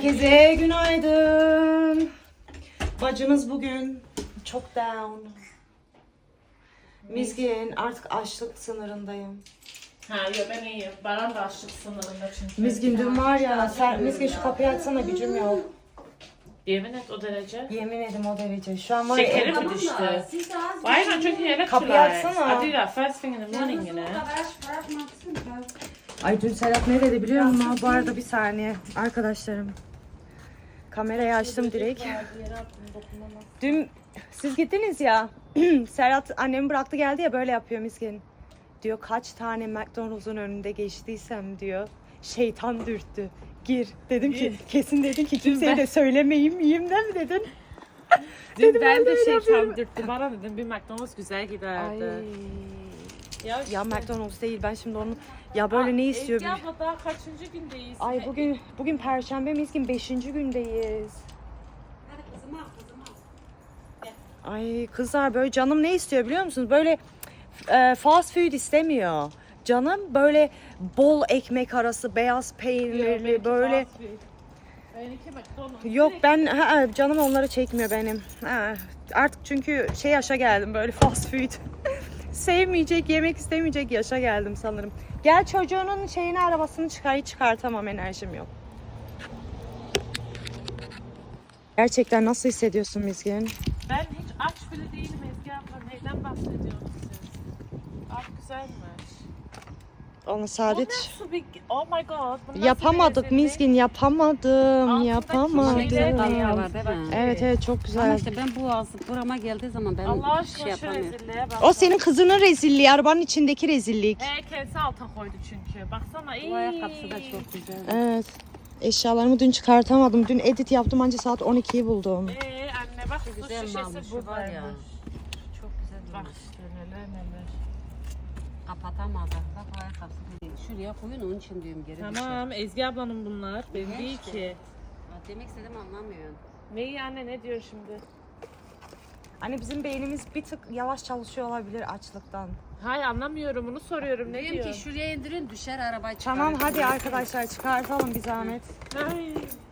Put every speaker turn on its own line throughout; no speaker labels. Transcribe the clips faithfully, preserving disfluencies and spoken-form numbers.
Herkese günaydın. Bacınız bugün çok down. Mizgin artık açlık sınırındayım.
Ha yok ben iyiyim. Baran da açlık sınırında çünkü.
Mizgin dün var ya, sen, Mizgin şu kapıyı açsana, gücüm yok.
Yemin et o derece.
Yemin ederim o derece. Şu an var ya.
Şekeri mi düştü? Why not drinking electrolytes?
Kapıyı açsana.
I do that first thing in the morning, you know.
Ay dün Serap ne dedi biliyor musun? Bu arada bir saniye arkadaşlarım. Kamerayı açtım direkt. Dün siz gittiniz ya. Serhat annemi bıraktı geldi ya, böyle yapıyor Mizgin. Diyor kaç tane McDonald's'un önünde geçtiysem diyor. Şeytan dürttü. Gir. Dedim ki kesin dedin ki kimseye de söylemeyeyim yiyeyim değil mi dedin?
Dün
Dedim,
ben
ben
de
de
şey
yapıyorum.
tam dürttüm. Bana dedim bir McDonald's güzel giderdi.
Ay.
Ya, işte.
Ya McDonald's değil, ben şimdi onu ya böyle ne istiyor?
Ezgi abla daha kaçıncı gündeyiz?
Ay bugün bugün Perşembe Mizgin, beşinci gündeyiz. Ay kızlar böyle canım ne istiyor biliyor musunuz? Böyle e, fast food istemiyor. Canım böyle bol ekmek arası, beyaz peynirli böyle.
Benimki McDonald's.
Yok ben ha, canım onları çekmiyor benim. Ha, artık çünkü şey yaşa geldim, böyle fast food. Sevmeyecek, yemek istemeyecek yaşa geldim sanırım. Gel çocuğunun şeyini, arabasını çıkar, hiç çıkartamam, enerjim yok. Gerçekten nasıl hissediyorsun Mizgin?
Ben hiç aç bile değilim Ezgi abla. Neyden bahsediyorsunuz siz? Aç güzelmiş.
Onu
Bu
saadet
nasıl bir... Oh my god. Bu nasıl
yapamadık
bir
Mizgin, yapamadım,
Altındaki
yapamadım.
şeyler
Damla var değil mi?
Evet evet, çok
Ama
güzel.
işte ben bu ağzı burama geldiği zaman ben
Allah
bir şey
aşkına şu
yapamıyorum.
rezilliğe bak.
O senin kızının rezilliği, arabanın içindeki rezillik.
He kendisi alta koydu çünkü. Baksana iyi.
Bu ayakkabısı da çok güzel.
Evet. Eşyalarımı dün çıkartamadım. Dün edit yaptım, anca saat on ikiyi buldum.
Ee anne bak su
Güzel
şişesi
malmış
bu
var ya.
varmış.
Çok güzel
Bak
olmuş.
işte neler neler.
Kapatamadı. Bak o ayakkabısı değil. Şuraya koyun, onun için diyorum geri düşer.
Tamam Ezgi ablanın bunlar. Benim
Ne
değil
işte?
ki.
Ha, demek istedim anlamıyorsun.
Neyi anne ne diyor şimdi?
Hani bizim beynimiz bir tık yavaş çalışıyor olabilir açlıktan.
Hayır anlamıyorum onu soruyorum ne
Diyorum
diyor?
ki şuraya indirin, düşer arabayı çıkar.
Tamam hadi arkadaşlar çıkartalım bir zahmet.
Ay.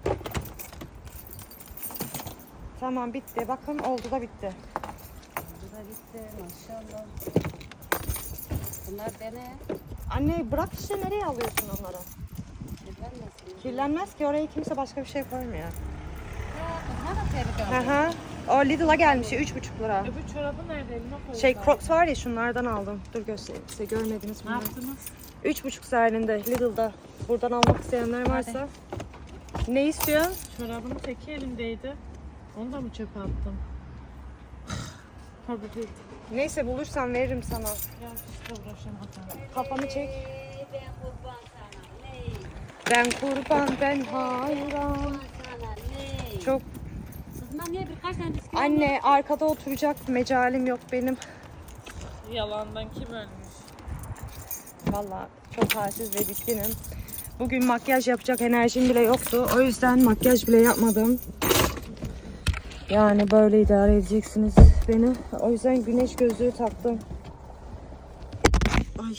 Tamam bitti. Bakın oldu da bitti.
Bu da bitti maşallah. Bunlar dene.
Anne bırak işte, nereye alıyorsun onları?
Kirlenmesin.
Kirlenmez ki, oraya kimse başka bir şey koymuyor.
Ya, bunlar da tehlike
Hı
aldı.
hı. O Lidl'a gelmiş üç buçuk lira.
Öbür çorabı nerede elime koydum.
Şey Crocs var ya, şunlardan aldım. Dur göstereyim size, görmediniz
Ne
mi?
yaptınız?
Üç buçuk sterlinde Lidl'da. Buradan almak isteyenler varsa. Ne istiyorsun?
Çorabının teki elimdeydi. Onu da mı çöpe attım? Tabii değil.
Neyse bulursam veririm sana.
Ya işte uğraşamadım.
Kafanı çek. Ben kurban, ben hayran. Çok.
Kızım niye birkaç tane bisküvi
Anne arkada oturacak mecalim yok benim.
Yalandan kim ölmüş?
Vallahi çok halsiz ve bitkinim. Bugün makyaj yapacak enerjim bile yoktu. O yüzden makyaj bile yapmadım. Yani böyle idare edeceksiniz beni. O yüzden güneş gözlüğü taktım. Ay.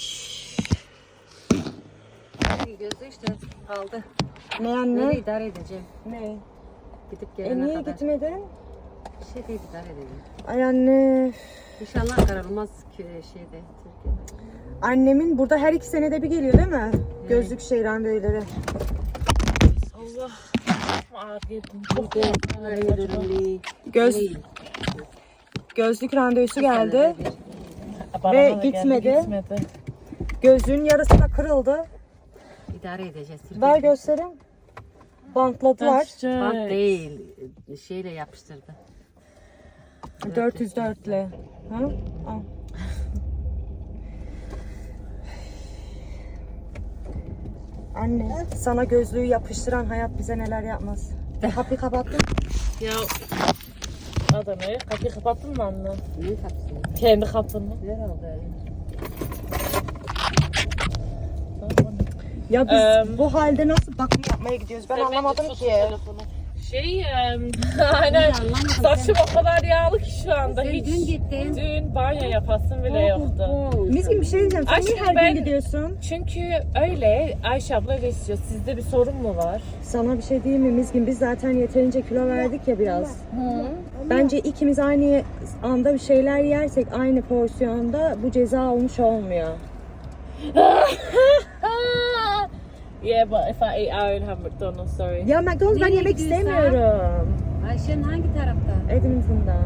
gözü işte kaldı.
Ne
Böyle
anne?
idare edeceğim.
Ne?
Gidip
E
gelene
niye
kadar.
gitmedin?
Bir şey değil, idare edeceğim.
Ay anne.
İnşallah kararılmaz ki şeyde Türkiye'de.
Annemin burada her iki senede bir geliyor değil mi? Gözlük şey randevuları.
Allah. Ağır yedim.
Hayırlı.
Göz, gözlük randevusu geldi.
Bana
Ve
da geldi,
gitmedi.
gitmedi.
Gözlüğün yarısı da kırıldı.
İdare edeceğiz.
Ver göstereyim. Bantladılar.
Bant değil, şeyle yapıştırdı.
dört yüz dört ile. Ha? Al. Anne, sana gözlüğü yapıştıran hayat bize neler yapmaz. Kapıyı kapattın.
Ya Adana'ya kapıyı kapattın mı anne?
Ne kapısı?
Kendi kapını.
Herhalde.
Ya biz
Eee,
bu halde nasıl bakım yapmaya gidiyoruz? Ben
Sen
anlamadım
bence sus
ki.
telefonu. Şey, em, aynen
anlamadım
saçım o kadar yağlı ki şu anda.
Sen
Hiç
dün gittin.
dün banyo yapasım bile yoktu.
Miskin bir şey diyeceğim. Sen niye
Aşkım
her
ben-
gün gidiyorsun?
Çünkü öyle Ayşe abla öyle istiyor. Sizde bir sorun mu var?
Sana bir şey diyeyim mi Miskin? Biz zaten yeterince kilo verdik ya biraz. Bence ikimiz aynı anda bir şeyler yersek aynı porsiyonda bu ceza olmuş olmuyor.
Yeah, but if I eat out in have McDonald's, sorry.
Ya McDonald's ben
Nereye
yemek
gidiyorsun?
istemiyorum.
Ayşe'nin hangi tarafta?
Edmonton'da.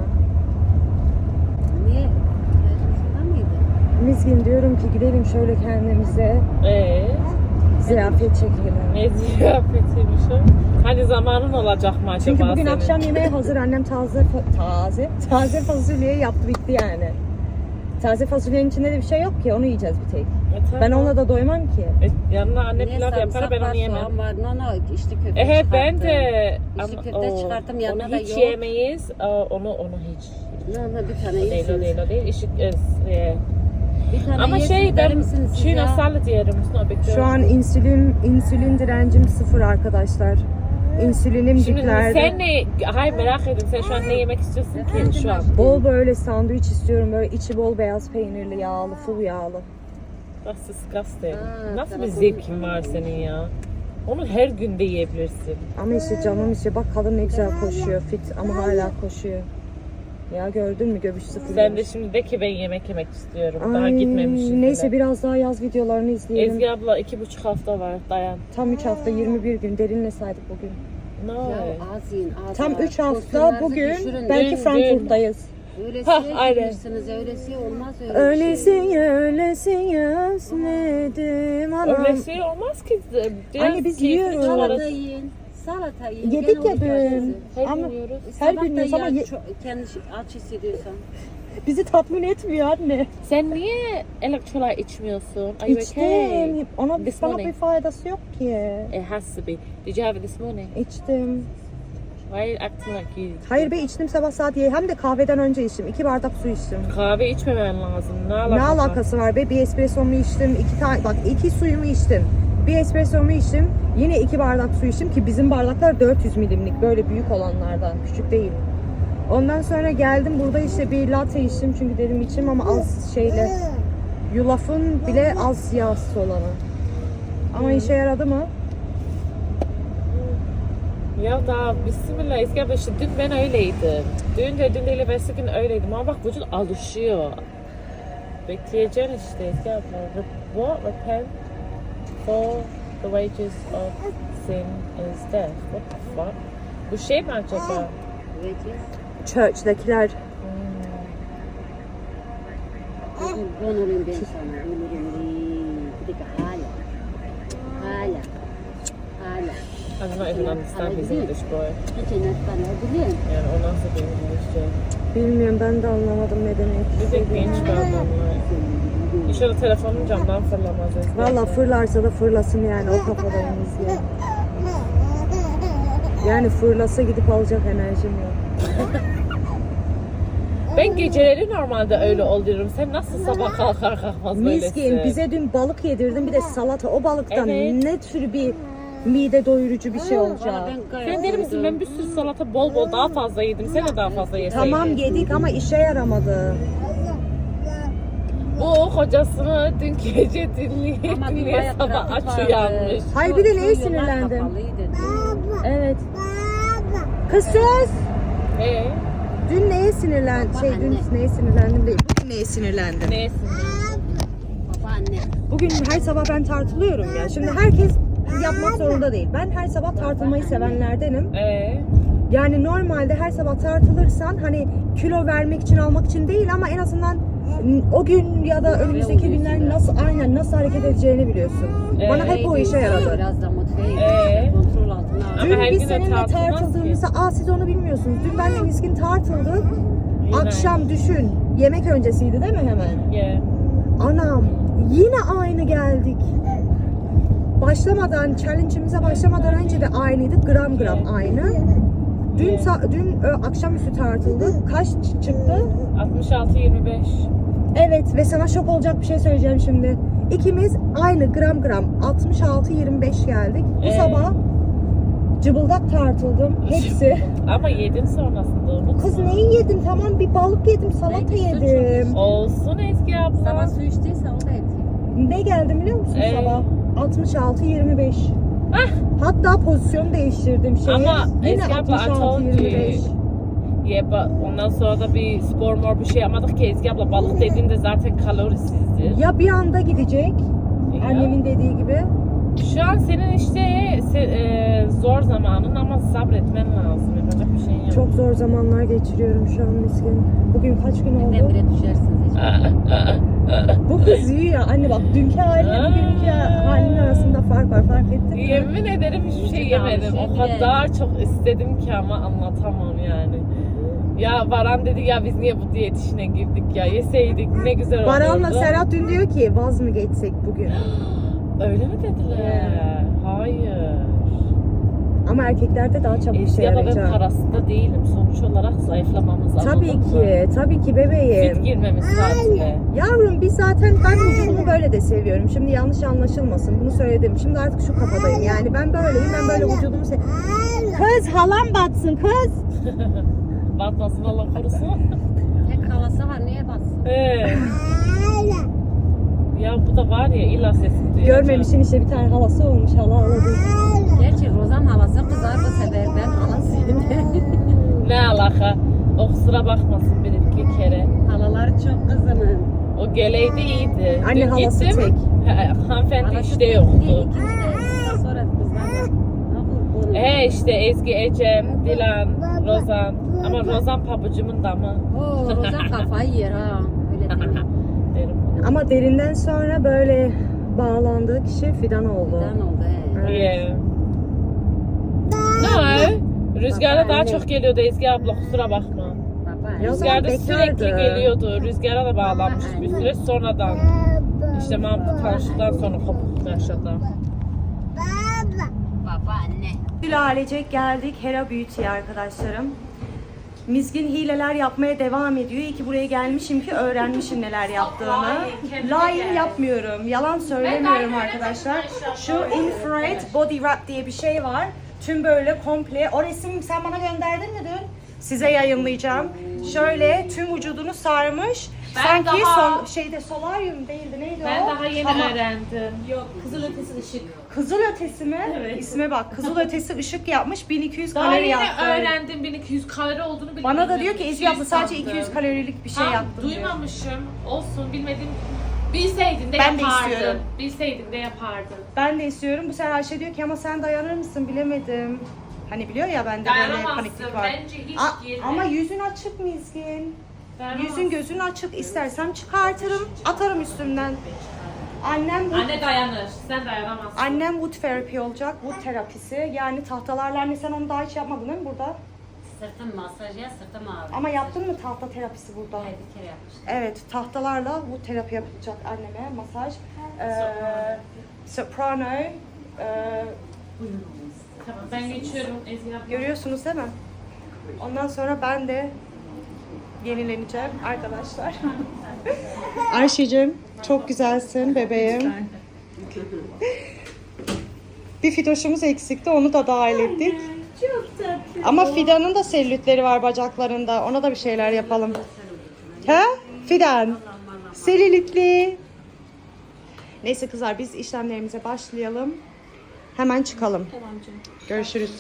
Niye? Ayşe'nin mıydı?
Miskin diyorum ki gidelim şöyle kendimize
Ee,
ziyafet çekelim.
ne ziyafetiymiş o? Hani zamanın olacak mı acaba
Çünkü bugün
senin?
akşam yemeği hazır. Annem taze fa- taze taze fasulye yaptı bitti yani. Taze fasulyenin içinde de bir şey yok ki onu yiyeceğiz bir tek.
E, tamam.
Ben ona da doymam ki.
E, yanına anne
Niye
pilav yapar
sarımsak
ben
var,
onu yemem.
soğan var. No no içli köfte
E,
çıkarttım.
ben de
İçli
ama
köfte
o,
çıkarttım yanına
onu
da
hiç
yok.
yemeyiz. Aa, onu onu hiç.
No no bir tane
O değil o
yersiniz.
değil o değil. Işık, e, e,
Bir tane
ama
yersiniz,
şey
der
ben
misiniz siz
tuna
ya?
salad yerim. No big deal.
Şu an insülin insülin direncim sıfır arkadaşlar. İnsülinim
Şimdi
diplerde.
sen ne? Hayır merak ettim. Sen şu an ne yemek istiyorsun ki şu an?
Bol böyle sandviç istiyorum. Böyle içi bol beyaz peynirli, yağlı, full yağlı.
That's disgusting.
Aa,
Nasıl bir
tarafım-
zevkin var senin ya? Onu her gün de yiyebilirsin.
Ama işte canım işte bak kadın ne güzel koşuyor. Fit ama hala koşuyor. Ya gördün mü göbüş sıfır.
Sen de şimdi de ki ben yemek yemek istiyorum. Daha
Ay,
gitmemişim
neyse
bile.
biraz daha yaz videolarını izleyelim.
Ezgi abla iki buçuk hafta var. Dayan.
Tam üç hafta yirmi bir gün derinle saydık bugün.
No.
Ya az yiyin az
Tam
az.
üç hafta
Porsiyonlarınızı
bugün
düşürün.
belki
Dün,
Frankfurt'tayız.
Öylesiye
Hah, aynen.
gidiyorsunuz, öylesiye olmaz öyle bir şey.
Öylesine öylesine özledim anam.
Öyle şey olmaz ki. Biraz
Anne, biz
keyifli
yiyoruz.
çıkarız.
Salata yiyin, salata yiyin.
Yedik
Gene
ya
olacak
dün.
size.
Her
Ama
gün yiyoruz.
her
Sabah
gün
da
yiyoruz ama
ya,
ye-
çok- kendi aç hissediyorsan.
bizi tatmin etmiyor anne.
Sen niye elektrolyt içmiyorsun? Are you okay?
İçtim. Ona
This
bana
morning.
bir faydası yok ki.
It has to be. Did you have it this morning?
İçtim.
Why are you acting like you?
Hayır be içtim sabah saat ye. Hem de kahveden önce içtim. İki bardak su içtim.
Kahve içmemen lazım. Ne
Ne
alakası? var?
alakası var be? Bir espressomu içtim. iki tane bak iki suyumu içtim. Bir espressomu içtim. Yine iki bardak su içtim ki bizim bardaklar dört yüz milimlik. Böyle büyük olanlardan. Küçük değil. Ondan sonra geldim burada işte bir latte içtim. Çünkü dedim içim ama az şeyle. Yulafın bile az yağsız olanı. Ama işe yaradı mı?
Ya da bismillah Ezgi abla işte dün ben öyleydim. Dün de dün değil evvelsi gün öyleydim ama bak vücut alışıyor. Bekleyeceksin işte Ezgi abla. Re- What? Repent for the wages of sin is death. What the fuck? Bu şey mi acaba?
Vereceğiz.
Church'dakiler
Bugün ben olayım ben sana. Ölürüm değil. Bir dakika hala. Hala. Hala.
I do not even understand his English boy.
Hiç inattan öldürüyorum.
Yani o nasıl bir İngilizce?
bilmiyorum ben de anlamadım ne demek
Bir de
istediğini.
genç bir adam var. İnşallah telefonum camdan fırlamaz Ezgi
Valla
abla.
fırlarsa da fırlasın yani o kafadayız ya. Yani fırlasa gidip alacak enerjim yok.
Ben geceleri normalde öyle oluyorum. Sen nasıl sabah kalkar kalkmaz böylesin?
Miskin bize dün balık yedirdin bir de salata. O balıktan
Evet.
ne tür bir mide doyurucu bir şey olacak.
Valla ben gayet
Sen deli misin? Ben bir sürü salata bol bol daha fazla yedim. Sen de daha fazla yeseydin.
Tamam yedik ama işe yaramadı.
Bu kocasını dün gece dinleye
Ama bir
dinleye
bayağı
sabah
trafik
aç
vardı.
uyanmış.
Hayır, bir de
Şu-
neye
şu yollar
sinirlendim?
kapalıydı.
Evet. Kız sus!
Ee,
Dün neye sinirlen şey dün
Anne.
neye sinirlendim değil. Bugün neye sinirlendim?
neyse.
Baba anne.
Bugün her sabah ben tartılıyorum ya. Şimdi herkes yapmak zorunda değil. Ben her sabah tartılmayı sevenlerdenim.
Ee,
Yani normalde her sabah tartılırsan hani kilo vermek için almak için değil ama en azından o gün ya da önümüzdeki günler nasıl aynen nasıl hareket edeceğini biliyorsun. Bana hep o işe yaradı.
Biraz da motive
Ee?
edin. Kontrol altına al.
Ama
Dün
her
biz
gün de
seninle
tartılmaz ki.
tartıldığımızda aa siz onu bilmiyorsunuz. Dün benle Miskin tartıldık.
Yine.
Akşam düşün. Yemek öncesiydi değil mi hemen?
yeah.
Anam yine aynı geldik. Başlamadan, challenge'imize başlamadan önce de aynıydık. Gram gram aynı. Dün sa- dün ö, akşamüstü tartıldık. Kaç ç- çıktı?
altmış altı yirmi beş.
Evet ve sana şok olacak bir şey söyleyeceğim şimdi. İkimiz aynı gram gram altmış altı yirmi beş geldik. Bu
Ee?
sabah Cıbıldak tartıldım. Hepsi.
Ama yedin sonrasında unutma.
Kız neyi yedim? Tamam bir balık yedim, salata
Belki süt
yedim.
Olsun Ezgi abla.
Sabah su içtiyse o da etkili.
Ne geldi biliyor musun
Ee?
sabah? altmış altı yirmi beş. Hatta pozisyon değiştirdim şeyi.
Ama
Yine
Ezgi abla, I
altmış altı
told
yirmi
you.
beş.
Ya ba- ondan sonra da bir spor mor bir şey yapmadık ki Ezgi abla. Balık dediğinde zaten kalorisizdir.
Ya bir anda gidecek.
Ya.
Annemin dediği gibi.
Şu an senin işte se- e, zor zamanın ama sabretmen lazım. Yapacak bir şeyin yok.
Çok zor zamanlar geçiriyorum şu an miskin. Bugün kaç gün oldu?
Birden bire düşersiniz hiç.
Bu kız iyi ya. Anne bak dünkü halinle bugünkü halinin arasında fark var. Fark ettin mi?
Yemin ederim hiçbir şey yemedim. O kadar çok istedim ki ama anlatamam yani. Ya Baran dedi ya biz niye bu diyet işine girdik ya, yeseydik ne güzel olurdu.
Baran'la Serhat dün diyor ki vaz mı geçsek bugün?
Öyle mi dediler? Hayır.
Ama erkeklerde daha çabuk
Ezgi
şey
abla ben
yarayacak.
parasında değilim. Sonuç olarak zayıflamamız
Tabii
anladın mı?
ki, tabii ki bebeğim.
Fit girmemiz tatile.
Yavrum biz zaten ben vücudumu böyle de seviyorum. Şimdi yanlış anlaşılmasın. Bunu söyledim. Şimdi artık şu kafadayım. Yani ben böyleyim. Ben böyle vücudumu seviyorum. Kız halam batsın kız.
Batmasın Allah korusun.
Tek havası var niye bassın?
He. Ya bu da var ya illa sesini duyacak.
Görmemişsin işte bir tane havası olmuş. Hala ağladı.
Gerçi Rozan havası kızar da sever ben halasıyım.
Ne alaka? O kusura bakmasın bir iki kere.
Halalar çok kızının.
O geleydi iyiydi.
Anne
Dün
halası
gittim,
tek.
he, hanımefendi
Halası
işte
tek
yoktu.
değil, İkimiz de sonra kızlar. Bunu.
He işte Ezgi, Ecem, Dilan, Rozan. Ama Rozan pabucumun damı.
Oo Rozan kafayı yer ha. Öyle değil.
Derim.
Ama derinden sonra böyle bağlandığı kişi Fidan oldu.
Neden oldu he?
Yeah. No. Rüzgarda
Baba,
daha
anne.
çok geliyordu Ezgi abla kusura bakma.
Baba.
Ya o zaman
Rüzgarda sürekli
bekardı.
geliyordu. Rüzgara da bağlanmış
Baba,
bir
anne.
süre sonradan. İşte Mahmut tanıştıktan sonra kopuk yaşadı.
Baba anne.
Gül ailecek geldik Hera Beauty'ye arkadaşlarım. Mizgin hileler yapmaya devam ediyor. İyi ki buraya gelmişim ki öğrenmişim neler yaptığını. Line yapmıyorum. Yalan söylemiyorum arkadaşlar. Şu infrared body wrap diye bir şey var. Tüm böyle komple. O resim sen bana gönderdin mi dün? Size yayınlayacağım. Şöyle tüm vücudunu sarmış.
Ben
Sanki
daha-
sol, şeyde solaryum değildi neydi
Ben
o?
daha yeni
Tamam.
öğrendim.
Kızıl ötesi ışık.
Kızıl ötesi mi?
Evet.
İsme bak. Kızıl ötesi ışık yapmış. bin iki yüz
Daha
kalori
yeni
yaptı.
öğrendim bin iki yüz kalori olduğunu bile
Bana da
bilmiyordum.
diyor ki Ezgi
iki yüz
abla sadece
sandım.
iki yüz kalorilik bir şey
Ha,
yaptım diyor.
duymamışım. Olsun bilmedim. Bilseydin de
Ben de
yapardın.
istiyorum.
Bilseydin de yapardın.
Ben de istiyorum. Bu sefer Ayşe diyor ki ama sen dayanır mısın bilemedim. Hani biliyor ya bende böyle
Dayanamazsın.
paniklik var.
Bence hiç
A-
girme.
ama yüzün açık Mizgin.
Dayanamazsın.
Yüzün gözün açık. İstersem çıkartırım. Atarım üstümden. Annem wood,
Anne dayanır. Sen dayanamazsın.
annem wood therapy olacak. Wood terapisi. Yani tahtalarla anne sen onu daha hiç yapmadın değil mi burada?
Sırtım masaj ya sırtım ağrıyor.
Ama yaptın mı tahta terapisi burada?
Hayır bir kere yapmıştım.
Evet, tahtalarla bu terapi yapacak anneme, masaj. Ee, soprano. ee,
Tamam ben geçiyorum Ezgi abla.
görüyorsunuz değil mi? Ondan sonra ben de yenileneceğim arkadaşlar. Ayşe'cim çok güzelsin bebeğim. Bir fidoşumuz eksikti, onu da dahil ettik.
Çok tatlı.
Ama Fidan'ın da selülitleri var bacaklarında. Ona da bir şeyler yapalım. He? Fidan. Selülitli. Neyse kızlar biz işlemlerimize başlayalım. Hemen çıkalım.
Tamam canım.
Görüşürüz.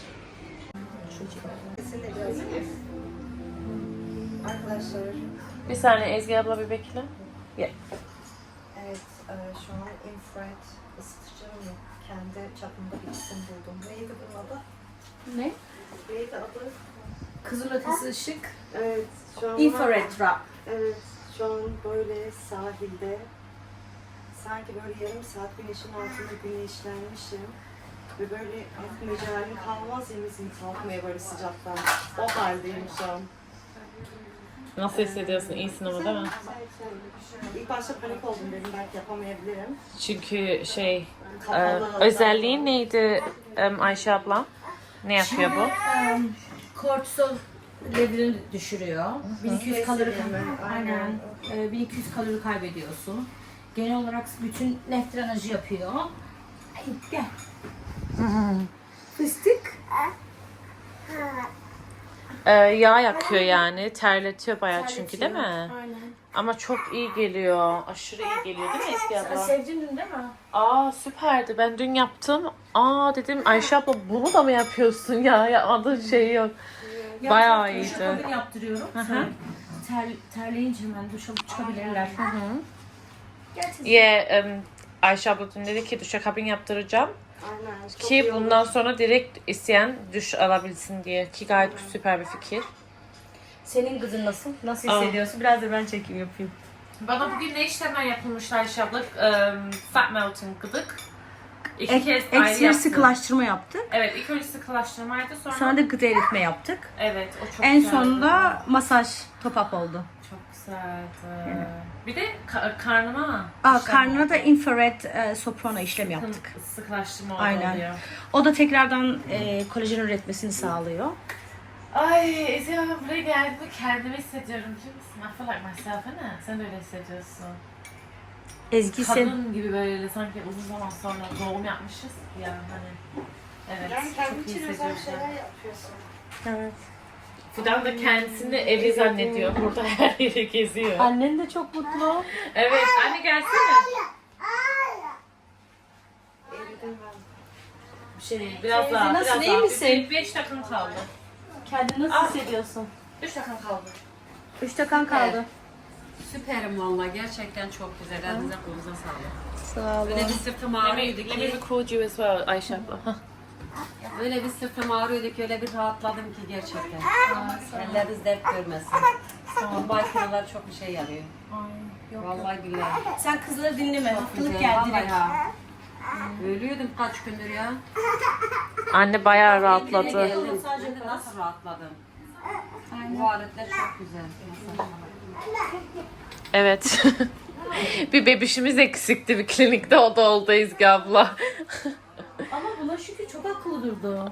Arkadaşlar
Bir saniye Ezgi abla bir bekle. Gel.
evet şu an infrared ısıtıcı mı? Kendi çapımda bir isim buldum. Neydi bunun adı?
Ne?
Neydi adı?
Kızıl ötesi ışık.
Evet şu an
Infrared wrap.
Evet, şu an böyle sahilde sanki böyle yarım saat güneşin altında güneşlenmişim ve böyle artık mecalim kalmaz ya bizim kalkmaya böyle sıcaktan. O haldeyim şu an.
Nasıl hissediyorsun? İyisin ama değil mi?
İlk başta panik oldum dedim belki yapamayabilirim.
Çünkü şey e,
Kapalı.
özelliği neydi em, Ayşe abla? Ne yapıyor bu?
Kortisol levelini düşürüyor. bin iki yüz kalori
Aynen.
aynen. Ee, bin iki yüz kalori kaybediyorsun. Genel olarak bütün nef drenajı yapıyor. Ay, gel. Fıstık.
Ee, yağ yakıyor yani. Terletiyor bayağı çünkü değil mi?
Aynen.
Ama çok iyi geliyor. Aşırı iyi geliyor değil mi Ezgi abla?
Sevdin dün değil mi?
Aa süperdi. Ben dün yaptım. Aa dedim Ayşe abla bunu da mı yapıyorsun ya? Yapmadığın şey yok. Bayağı iyiydi.
Duşakabin yaptırıyorum. Sonra ter, terleyince hemen duş alıp çıkabilirler.
Yeah, um, Ayşe abla dün dedi ki duşakabin yaptıracağım.
Aynen.
Ki bundan sonra direkt isteyen duş alabilsin diye. Ki gayet süper bir fikir.
Senin kızın nasıl? Nasıl
Aa.
hissediyorsun? Biraz da ben çekim yapayım.
Bana bugün ne işlemler yapılmış Ayşe abla? Um, fat melting gıdık. İki
Ek,
kez ayrı
ekstra
yaptım.
sıkılaştırma yaptık.
Evet, ilk önce sıkılaştırmaydı sonra...
Sonra da gıda eritme yaptık.
Evet, o çok
En
güzeldi.
sonunda masaj top-up oldu.
Çok güzeldi. Bir de ka- karnıma...
Aa,
işlem
karnına da
oldu.
infrared e, soprano işlem yaptık.
Sıkı- Sıkılaştırma oldu
Aynen.
oluyor.
O da tekrardan e, kolajen üretmesini sağlıyor.
Ay Ezgi abla buraya geldiğimde kendimi hissediyorum biliyor musun? I feel like myself, değil mi? Sen de öyle hissediyorsun.
Ezgi sen...
Kadın gibi böyle sanki uzun zaman sonra doğum yapmışız ya hani. Evet, çok iyi hissediyorum.
Evet.
Fidan da kendisini evli zannediyor. Burada her yeri geziyor.
Annen de çok mutlu.
Evet, anne gelsene. Bir şey değil, biraz
Teyze,
daha,
nasıl,
biraz
iyi
daha.
misin?
Bir- Beş dakikan kaldı.
Kendini nasıl hissediyorsun?
Üç dakikan kaldı.
Üç dakikan kaldı.
Süperim valla gerçekten çok güzel. Elinize kolunuza sağlık.
Sağ
Böyle bir
olun.
sırtım
Let me,
ağrıyordu
let me
ki,
record you as well Ayşe abla.
böyle bir sırtım ağrıyordu ki öyle bir rahatladım ki gerçekten. Elleriniz dert görmesin. Bu makineler çok bir şey yarıyor. Vallahi billahi.
Sen kızları dinleme. Haklılık
Güzel,
geldi
vallahi
direkt.
ya. Ölüyordum kaç gündür ya.
Anne bayağı
Kendine
rahatladı.
geldim. Sadece nasıl rahatladım. Bu aletler çok güzel.
Evet. Bir bebişimiz eksikti bir klinikte, o da oldu Ezgi abla.
Ama buna şükür çok akıllı durdu.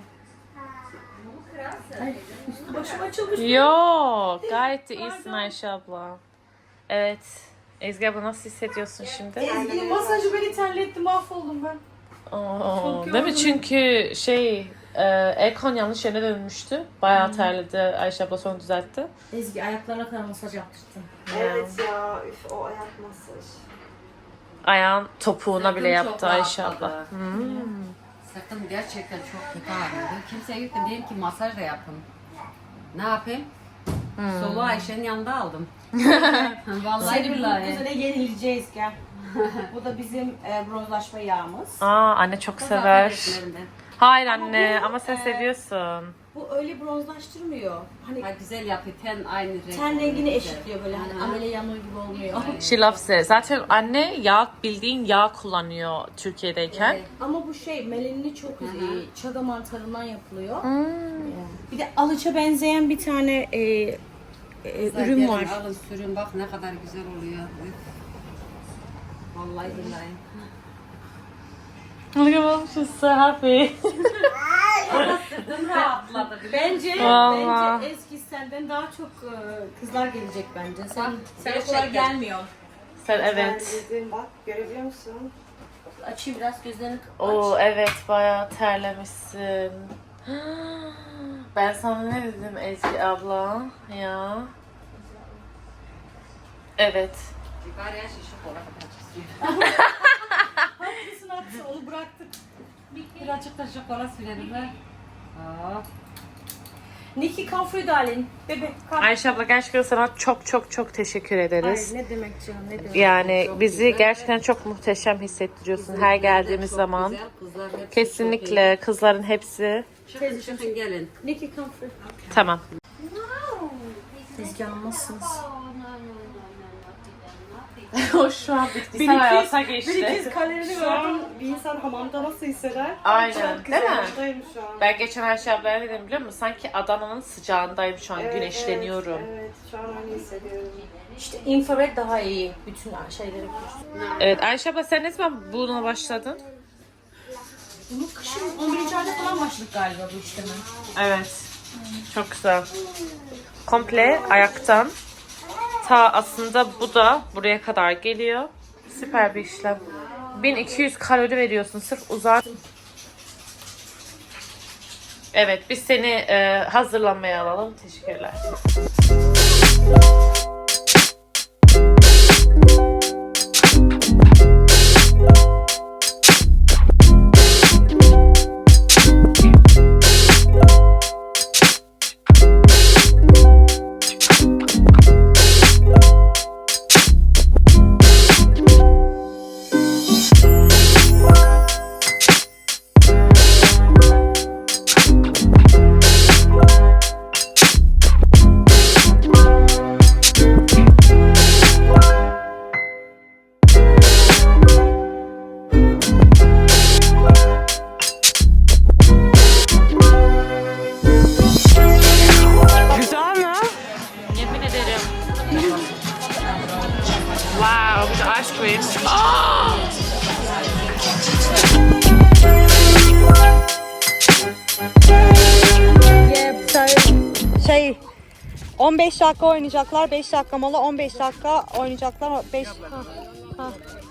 Ay, üstü başım açılmış.
Yok, gayet de iyisin Ayşe abla. Evet. Ezgi abla nasıl hissediyorsun şimdi?
Ezgi'nin masajı beni terletti, mahvoldum ben.
Oo, değil mi? Çünkü şey, e, Erkon yanlış yöne dönmüştü. Bayağı terledi. Ayşe abla sonra düzeltti.
Ezgi ayaklarına kadar masaj yaptırttın.
Evet
ya, üf, o ayak masajı.
Ayağın topuğuna bile
Sırtım
yaptı
çok
Ayşe
rahatladı.
abla. Hmm.
Sırtım gerçekten çok kötü ağrıyordu. Kimseye gittim dedim ki masaj da yapın. Ne yapayım? Soluğu Ayşe'nin yanında aldım. Vallahi
Seni bu
billahi.
üzerine yenileceğiz gel. Bu da bizim e, bronzlaşma yağımız.
Aa, anne çok sever. Hayır anne, ama sen seviyorsun.
Bu öyle bronzlaştırmıyor. Hani
Ha, güzel yapıyor. Ten aynı renk.
ten
oluyor,
rengini
güzel.
eşitliyor böyle. Hani amele yanığı gibi olmuyor.
She loves it. Zaten anne yağ, bildiğin yağ kullanıyor Türkiye'deyken.
Evet.
Ama bu şey melenini çok
Hı hı.
iyi. Çaga mantarından yapılıyor.
Hmm.
Bir de alıça benzeyen bir tane e, e,
Güzel,
ürün
gelin,
var.
Alın sürün bak ne kadar güzel oluyor. Üf. Vallahi billahi.
Look at mom, she's so happy.
Sırtım rahatladı.
Bence
Vallahi.
bence Ezgi senden daha çok e, kızlar gelecek bence. Sen sen o
gerçekten.
kadar gelmiyor.
Sen evet.
Bak görebiliyor musun? Açayım biraz gözlerini aç.
Oo evet, bayağı terlemişsin. Ben sana ne dedim Ezgi abla ya? Evet.
Bari her şey şok olarak açık.
Haklısın haklısın onu bıraktık.
Birazcık da şokola sürelim ha. Aa.
Nikki Comfrey darling. Bebe kalk.
Ayşe abla gerçekten sana çok çok çok teşekkür ederiz.
Ay, ne demek canım ne demek.
Yani
Çok
bizi
güzel.
gerçekten çok muhteşem hissettiriyorsun her geldiğimiz
Çok
zaman.
güzel, kızlar hepsi çok
Kesinlikle kızların hepsi.
iyi. Çıkın çıkın gelin.
Nikki Comfrey.
Tamam.
Ezgi Hanım nasılsınız?
O şu an bitkisel hayata geçti.
kalerini gördüm. Bir insan hamamda nasıl hisseder?
Aynen. Değil mi?
Buradayım şu an.
Ben geçen Ayşe ablaya ne dedim biliyor musun? Sanki Adana'nın sıcağındayım şu an. Güneşleniyorum.
Evet, evet, şu an öyle hissediyorum. İşte infrared daha iyi bütün şeyleri.
Evet Ayşe abla, sen ne zaman buna başladın?
Bunu kışın on birinci ayda falan başladık galiba bu işleme.
Evet. Çok güzel. Komple ayaktan. Ta aslında bu da buraya kadar geliyor. Süper bir işlem. bin iki yüz kalori veriyorsun sırf uzak. Evet, biz seni e, hazırlanmaya alalım. Teşekkürler.
Güzel mi?
Yemin ederim. Wow, bir de ice cream. Aa!
Şey on beş dakika oynayacaklar. beş dakika mola. on beş dakika oynayacaklar. beş ha, ha.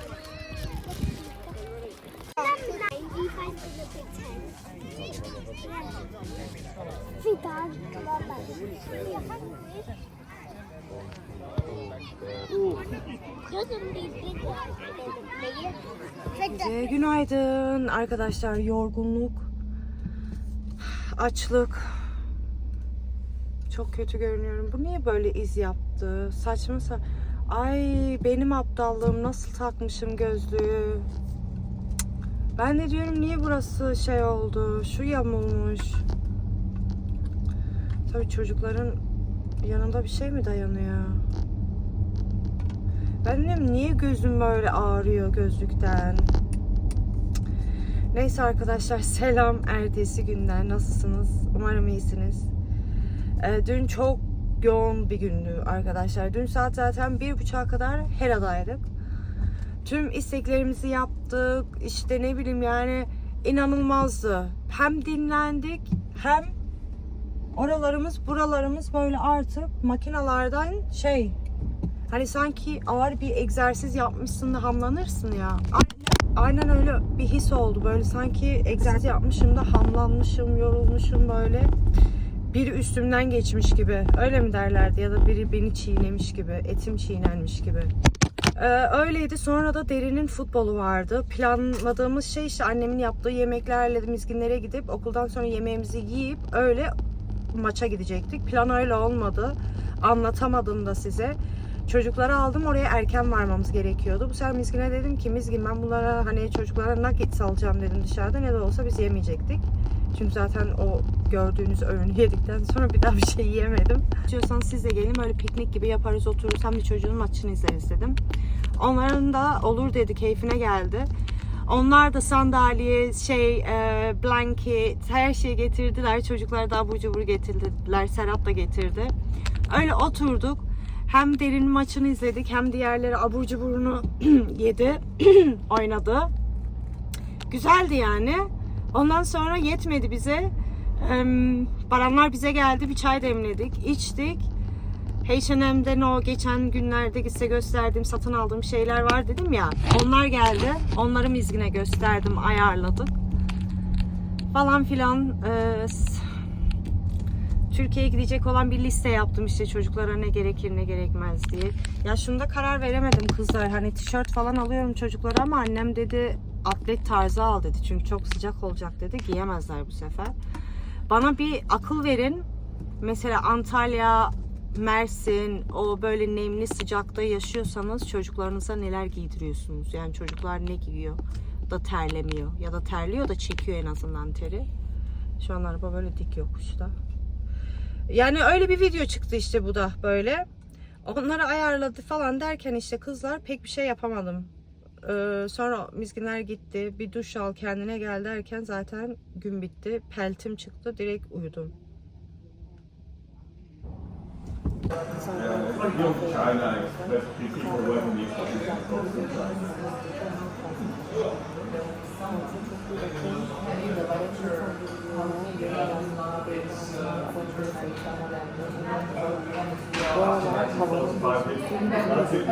Ee, günaydın arkadaşlar. Yorgunluk, açlık. Çok kötü görünüyorum. Bu niye böyle iz yaptı? Saçma sa- Ay benim aptallığım, nasıl takmışım gözlüğü. Ben de diyorum niye burası şey oldu? Şu yamulmuş. Tabii çocukların yanında bir şey mi dayanıyor? Ben diyorum niye gözüm böyle ağrıyor gözlükten? Neyse arkadaşlar, selam ertesi günden. Nasılsınız? Umarım iyisiniz. Ee, dün çok yoğun bir gündü arkadaşlar. Dün saat zaten bir buçuğa kadar Hera'daydık. Tüm isteklerimizi yaptık. İşte ne bileyim yani inanılmazdı. Hem dinlendik hem oralarımız buralarımız böyle artık makinalardan şey, hani sanki ağır bir egzersiz yapmışsın da hamlanırsın ya. Aynen öyle bir his oldu. Böyle sanki egzersiz yapmışım da hamlanmışım, yorulmuşum böyle. Biri üstümden geçmiş gibi. Öyle mi derlerdi? Ya da biri beni çiğnemiş gibi. Etim çiğnenmiş gibi. Ee, öyleydi. Sonra da Derin'in futbolu vardı. Planladığımız şey işte annemin yaptığı yemeklerle Mizginlere gidip okuldan sonra yemeğimizi yiyip öyle maça gidecektik. Plan öyle olmadı. Anlatamadım da size. Çocukları aldım, oraya erken varmamız gerekiyordu. Bu sefer Mizgin'e dedim ki Mizgin ben bunlara hani çocuklara nuggets alacağım dedim dışarıda. Ne de olsa biz yemeyecektik. Çünkü zaten o gördüğünüz öğünü yedikten sonra bir daha bir şey yiyemedim. İstiyorsanız siz de gelin, böyle piknik gibi yaparız, otururuz, hem de çocuğun maçını izleriz dedim. Onların da olur dedi, keyfine geldi. Onlar da sandalye, şey, e, blanket, her şeyi getirdiler. Çocuklar da abur cubur getirdiler. Serap da getirdi. Öyle oturduk. Hem Derin maçını izledik, hem diğerleri abur cuburunu yedi, oynadı. Güzeldi yani. Ondan sonra yetmedi bize. Baranlar bize geldi, bir çay demledik, içtik. H and M'den o geçen günlerde size gösterdiğim, satın aldığım şeyler var dedim ya. Onlar geldi. Onları Mizgin'e gösterdim, ayarladık. Falan filan. Ee, Türkiye'ye gidecek olan bir liste yaptım işte, çocuklara ne gerekir ne gerekmez diye. Ya şunda karar veremedim kızlar. Hani tişört falan alıyorum çocuklara ama annem dedi atlet tarzı al dedi. Çünkü çok sıcak olacak dedi. Giyemezler bu sefer. Bana bir akıl verin. Mesela Antalya, Mersin, o böyle nemli sıcakta yaşıyorsanız çocuklarınıza neler giydiriyorsunuz? Yani çocuklar ne giyiyor da terlemiyor, ya da terliyor da çekiyor en azından teri. Şu an araba böyle dik yokuşta. Yani öyle bir video çıktı işte, bu da böyle. Onları ayarladı falan derken işte kızlar pek bir şey yapamadım. Ee, sonra Mizginler gitti. Bir duş al kendine gel derken zaten gün bitti. Peltim çıktı. Direkt uyudum.
Bu aralar havanın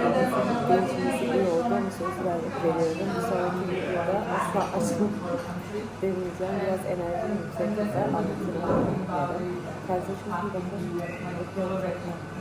değişmesi iyi oldu ama söz veriyorum. Bir sonraki videoda asla açılmayacak. deneyeceğim. Biraz enerjim yüksek. Anlatırım. Kendinize çok iyi bakın.